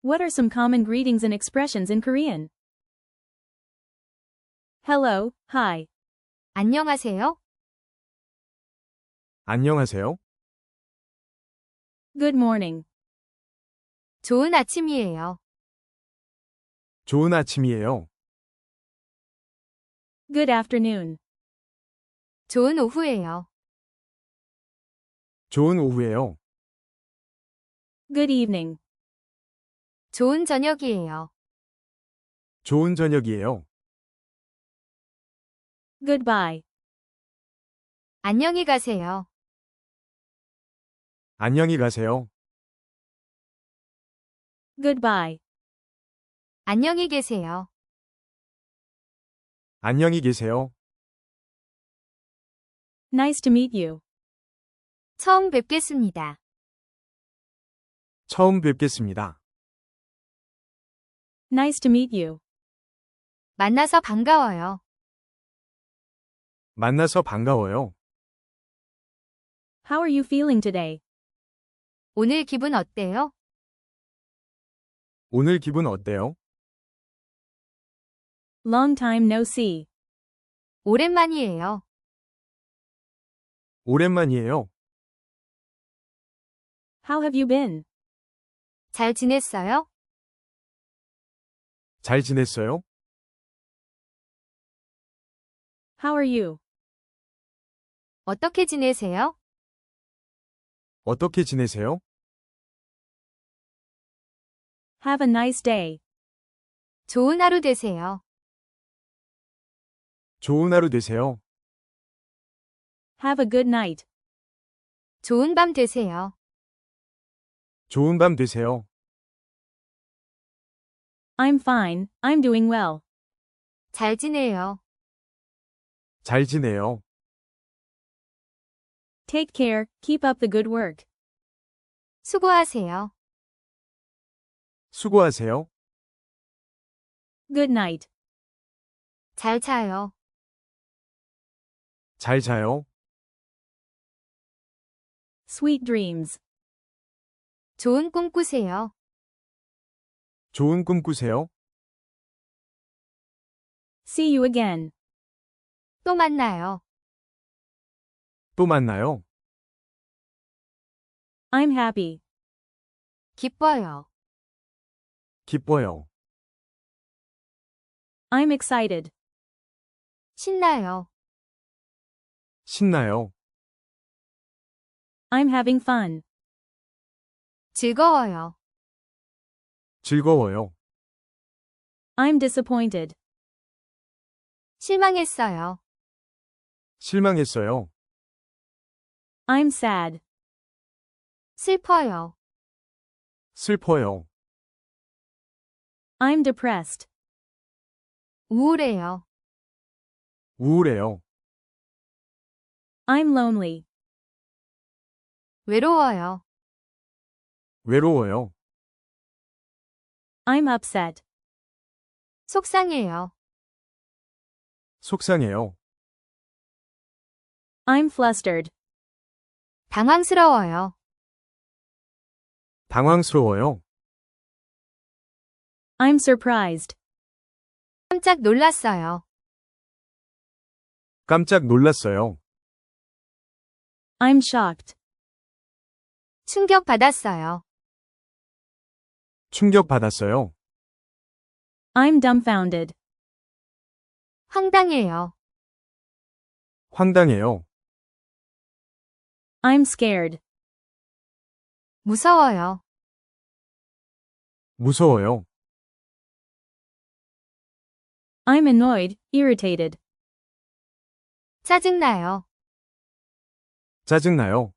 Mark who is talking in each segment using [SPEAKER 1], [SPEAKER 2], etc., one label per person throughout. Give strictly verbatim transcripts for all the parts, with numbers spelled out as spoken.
[SPEAKER 1] What are some common greetings and expressions in Korean? Hello, hi.
[SPEAKER 2] 안녕하세요.
[SPEAKER 3] 안녕하세요.
[SPEAKER 1] Good morning.
[SPEAKER 2] 좋은 아침이에요.
[SPEAKER 3] 좋은 아침이에요.
[SPEAKER 1] Good afternoon.
[SPEAKER 2] 좋은 오후예요.
[SPEAKER 3] 좋은 오후에요.
[SPEAKER 1] Good evening.
[SPEAKER 2] 좋은 저녁이에요.
[SPEAKER 3] 좋은 저녁이에요.
[SPEAKER 1] Goodbye.
[SPEAKER 2] 안녕히 가세요.
[SPEAKER 3] 안녕히 가세요.
[SPEAKER 1] Goodbye.
[SPEAKER 2] 안녕히 계세요.
[SPEAKER 3] 안녕히 계세요.
[SPEAKER 1] Nice to meet you.
[SPEAKER 2] 처음 뵙겠습니다.
[SPEAKER 3] 처음 뵙겠습니다.
[SPEAKER 1] Nice to meet you.
[SPEAKER 2] 만나서 반가워요.
[SPEAKER 3] 만나서 반가워요.
[SPEAKER 1] How are you feeling today?
[SPEAKER 2] 오늘 기분 어때요?
[SPEAKER 3] 오늘 기분 어때요?
[SPEAKER 1] Long time no see.
[SPEAKER 2] 오랜만이에요.
[SPEAKER 3] 오랜만이에요.
[SPEAKER 1] How have you been?
[SPEAKER 2] 잘 지냈어요?
[SPEAKER 3] 잘 지냈어요?
[SPEAKER 1] How are you?
[SPEAKER 2] 어떻게 지내세요?
[SPEAKER 3] 어떻게 지내세요?
[SPEAKER 1] Have a nice day.
[SPEAKER 2] 좋은 하루 되세요.
[SPEAKER 3] 좋은 하루 되세요.
[SPEAKER 1] Have a good night.
[SPEAKER 2] 좋은 밤 되세요.
[SPEAKER 3] 좋은 밤 되세요.
[SPEAKER 1] I'm fine, I'm doing well.
[SPEAKER 2] 잘 지내요.
[SPEAKER 3] 잘 지내요.
[SPEAKER 1] Take care, keep up the good work.
[SPEAKER 2] 수고하세요.
[SPEAKER 3] 수고하세요.
[SPEAKER 1] Good night.
[SPEAKER 2] 잘 자요.
[SPEAKER 3] 잘 자요.
[SPEAKER 1] Sweet dreams.
[SPEAKER 2] 좋은 꿈 꾸세요.
[SPEAKER 3] 좋은 꿈 꾸세요.
[SPEAKER 1] See you again.
[SPEAKER 2] 또 만나요.
[SPEAKER 3] 또 만나요.
[SPEAKER 1] I'm happy.
[SPEAKER 2] 기뻐요.
[SPEAKER 3] 기뻐요.
[SPEAKER 1] I'm excited.
[SPEAKER 2] 신나요.
[SPEAKER 3] 신나요.
[SPEAKER 1] I'm having fun.
[SPEAKER 2] 즐거워요.
[SPEAKER 3] 즐거워요.
[SPEAKER 1] I'm disappointed.
[SPEAKER 2] 실망했어요.
[SPEAKER 3] 실망했어요.
[SPEAKER 1] I'm sad.
[SPEAKER 2] 슬퍼요.
[SPEAKER 3] 슬퍼요.
[SPEAKER 1] I'm depressed.
[SPEAKER 2] 우울해요.
[SPEAKER 3] 우울해요.
[SPEAKER 1] I'm lonely.
[SPEAKER 2] 외로워요.
[SPEAKER 3] 외로워요.
[SPEAKER 1] I'm upset.
[SPEAKER 2] 속상해요.
[SPEAKER 3] 속상해요.
[SPEAKER 1] I'm flustered.
[SPEAKER 2] 당황스러워요.
[SPEAKER 3] 당황스러워요.
[SPEAKER 1] I'm surprised.
[SPEAKER 2] 깜짝 놀랐어요.
[SPEAKER 3] 깜짝 놀랐어요.
[SPEAKER 1] I'm shocked.
[SPEAKER 2] 충격받았어요.
[SPEAKER 3] 충격받았어요.
[SPEAKER 1] I'm dumbfounded.
[SPEAKER 2] 황당해요.
[SPEAKER 3] 황당해요.
[SPEAKER 1] I'm scared.
[SPEAKER 2] 무서워요.
[SPEAKER 3] 무서워요.
[SPEAKER 1] I'm annoyed, irritated.
[SPEAKER 2] 짜증나요.
[SPEAKER 3] 짜증나요.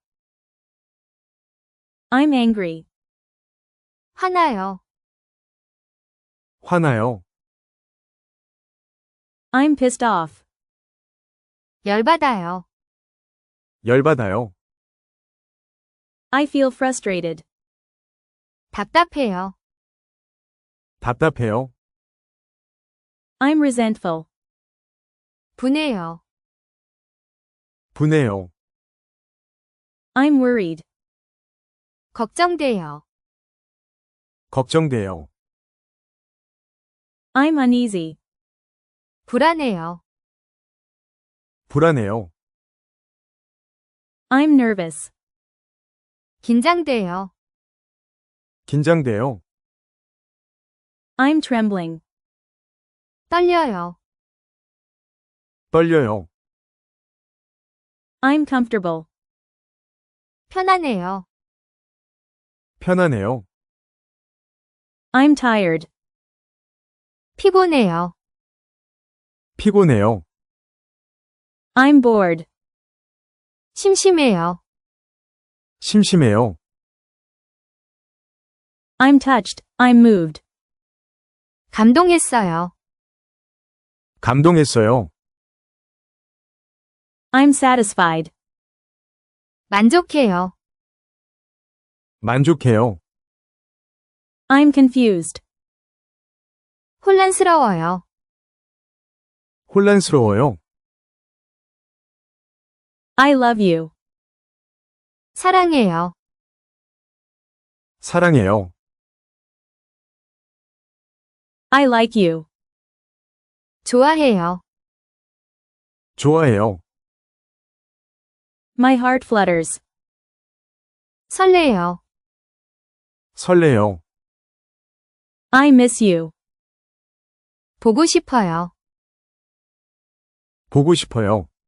[SPEAKER 1] I'm angry.
[SPEAKER 2] 화나요.
[SPEAKER 3] 화나요.
[SPEAKER 1] I'm pissed off.
[SPEAKER 2] 열받아요.
[SPEAKER 3] 열받아요.
[SPEAKER 1] I feel frustrated.
[SPEAKER 2] 답답해요.
[SPEAKER 3] 답답해요.
[SPEAKER 1] I'm resentful.
[SPEAKER 2] 분해요.
[SPEAKER 3] 분해요.
[SPEAKER 1] I'm worried.
[SPEAKER 2] 걱정돼요.
[SPEAKER 3] 걱정돼요.
[SPEAKER 1] I'm uneasy.
[SPEAKER 2] 불안해요.
[SPEAKER 3] 불안해요.
[SPEAKER 1] I'm nervous.
[SPEAKER 2] 긴장돼요.
[SPEAKER 3] 긴장돼요.
[SPEAKER 1] I'm trembling.
[SPEAKER 2] 떨려요.
[SPEAKER 3] 떨려요.
[SPEAKER 1] I'm comfortable.
[SPEAKER 2] 편안해요.
[SPEAKER 3] 편안해요.
[SPEAKER 1] I'm tired.
[SPEAKER 2] 피곤해요.
[SPEAKER 3] 피곤해요.
[SPEAKER 1] I'm bored.
[SPEAKER 2] 심심해요.
[SPEAKER 3] 심심해요.
[SPEAKER 1] I'm touched. I'm moved.
[SPEAKER 2] 감동했어요.
[SPEAKER 3] 감동했어요.
[SPEAKER 1] I'm satisfied.
[SPEAKER 2] 만족해요.
[SPEAKER 3] 만족해요.
[SPEAKER 1] I'm confused.
[SPEAKER 2] 혼란스러워요.
[SPEAKER 3] 혼란스러워요.
[SPEAKER 1] I love you.
[SPEAKER 2] 사랑해요.
[SPEAKER 3] 사랑해요.
[SPEAKER 1] I like you.
[SPEAKER 2] 좋아해요.
[SPEAKER 3] 좋아해요.
[SPEAKER 1] My heart flutters.
[SPEAKER 2] 설레요.
[SPEAKER 3] 설레요.
[SPEAKER 1] I miss you.
[SPEAKER 2] 보고 싶어요.
[SPEAKER 3] 보고 싶어요.